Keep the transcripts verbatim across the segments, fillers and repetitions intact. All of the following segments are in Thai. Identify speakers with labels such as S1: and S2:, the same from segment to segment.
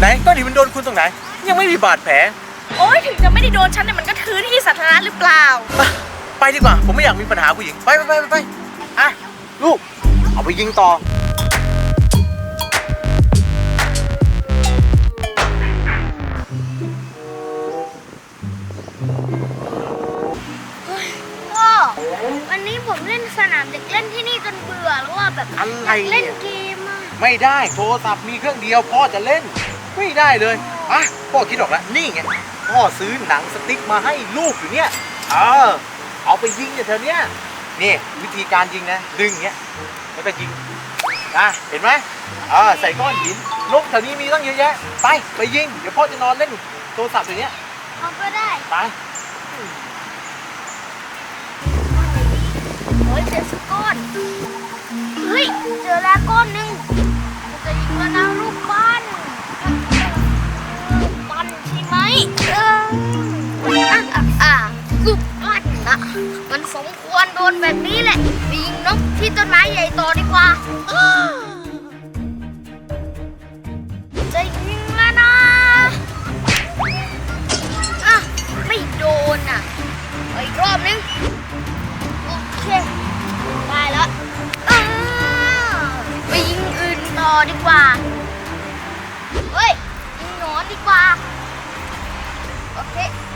S1: ก้อนหินมันโดนคุณตรงไหนยังไม่มีบาดแผล
S2: โอ้ยถึงจะไม่ได้โดนฉันแต่มันก็คือที่สาธารณะหรือเปล่า
S1: ไปดีกว่าผมไม่อยากมีปัญหาผู้หญิงไปไปไปไปอ่ะลูกเอาไปยิงต่อ
S3: พ่อวันนี้ผมเล่นสนามเด็กเล่นที่นี่จนเบื่อแล้วว่าแบบอยากเล่นเกมอ่ะ
S1: ไม่ได้โทรศัพท์มีเครื่องเดียวพ่อจะเล่นไม่ได้เลยอ่ะพ่อคิดออกแล้วนี่ไงพ่อซื้อหนังสติ๊กมาให้ลูกอยู่เนี่ยเออเอาไปยิงเนี่ยเธอเนี่ยนี่วิธีการยิงนะดึงอย่างเงี้ยแล้วก็ยิงนะเห็นไหมเออใส่ก้อนหินนกแถวนี้มีตั้งเยอะแยะไปไปยิงเดี๋ยวพ่อจะนอนเล่นโทรศัพท์อย่างเงี้ย
S3: เขาก็ได้
S1: ไป
S3: เฮ้ยเจอสักก้อนเฮ้ยเจอแล้วก้อนหนึ่งจะยิงแล้วนะลูกปั้นปั้นใช่ไหมเอออ่ะอ่ะอ่ะลูกปั้นนะมันสมควรโดนแบบนี้แหละยิงนกที่ต้นไม้ใหญ่ต่อดีกว่าจะยิงแล้วนะอ่ะไม่โดนอ่ะอีกรอบนึงโอเคได้แล้วไปยิงอื่นต่อดีกว่าเฮ้ยยิงหนอนดีกว่าโอเค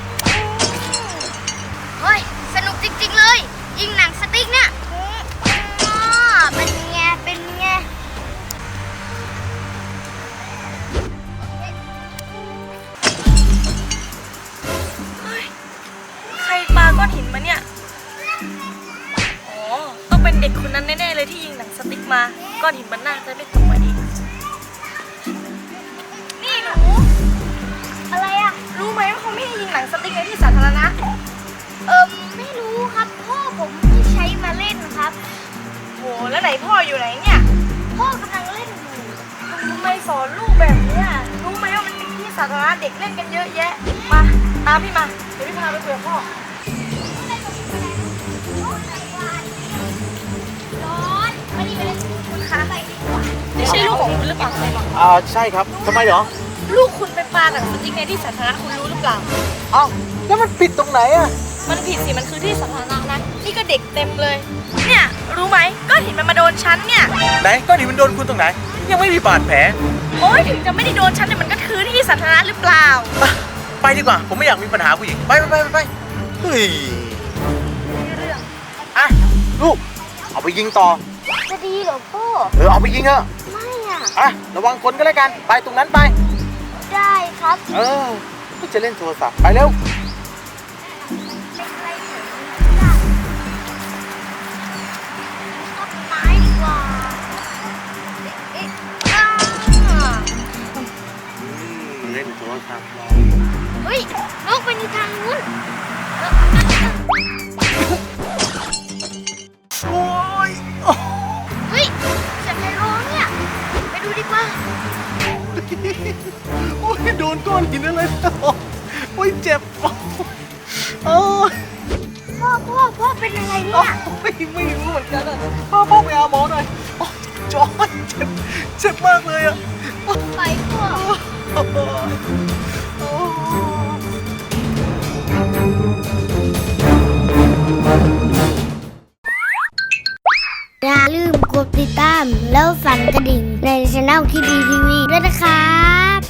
S3: เฮ้ยสนุกจริงๆเลยยิงหนังสติ๊กเนี่ยเป็นไงเป็นไง
S2: ใครปาก้อนหินมาเนี่ยอ๋อต้องเป็นเด็กคนนั้นแน่ๆเลยที่ยิงหนังสติ๊กมาก้อนหินมันน่าจะไม่ตกมาดีนี่หนู
S3: อะไรอ่ะ
S2: รู้ไหมว่าเขาไม่ให้ยิงหนังสติ๊กในที่สาธารณะ
S3: เอิมไม่รู้ครับพ่อผมไม่ใช้มาเล่นครับ
S2: โหแล้วไหนพ่ออยู่ไหนเนี่ย
S3: พ่อกำลังเล่นอยู่
S2: ทำไมสอนลูกแบบนี้รู้ไหมว่ามันเป็นที่สาธารณะเด็กเล่นกันเยอะแยะมาตามพี่มาเดี๋ยวพี่พาไปคุยกับพ่อไม่ใช่ลูกของคุณหรือเปล่าใช่ไหม
S1: อ่าใช่ครับทำไมเหรอ
S2: ลูกคุณไปปาหนังสติ๊กในที่สาธารณะคุณรู้หรือเปล่า
S1: อ้าวแล้วมันผิดตรงไหนอ่ะ
S2: มันผิดสิมันคือที่สาธารณะนะนี่ก็เด็กเต็มเลยเนี่ยรู้ไหมก้อนหินมันมาโดนฉันเนี่ย
S1: ไหนก้อนหินมันโดนคุณตรงไหนยังไม่มีบาดแผล
S2: โอ้ยถึงจะไม่ได้โดนฉันแต่มันก็คือที่สาธารณะหรือเปล่า
S1: ไปดีกว่าผมไม่อยากมีปัญหาผู้หญิงไปไปไปไปเฮ้ยอ่ะลูกเอาไปยิงต่อ
S3: จะดีเหรอพ่อ
S1: เออเอาไปยิงเถอะ
S3: ไม่อ่ะ
S1: อ่ะระวังคนก็แล้วกันไปตรงนั้นไป
S3: ได้ครับ
S1: เออพี่จะเล่นโทรศัพท์ไปเร็วเล่นโทรศัพท์
S3: เฮ้ยนกไปในทางนู้น
S1: โอ้ย
S3: เฮ้ยเสียงใครร้องเนี่ยไปดูดีกว่า
S1: โอ้ยโดนก้อนหินอะไรโอ้ยเจ็บโอ้ย
S3: พ่อพ่อพ่อเป็นอะไรเนี่ย
S1: ไม่ไม่รู้เหมือนกันอ่ะพ่อพ่อไปหาหมอหน่อยจอยเจ็บเจ็บมากเลยอ่ะ
S3: ไปพ่ออย่าลืมกดติดตามแล้วสั่นกระดิ่งในช่องคิดดีทีวีด้วยนะครับ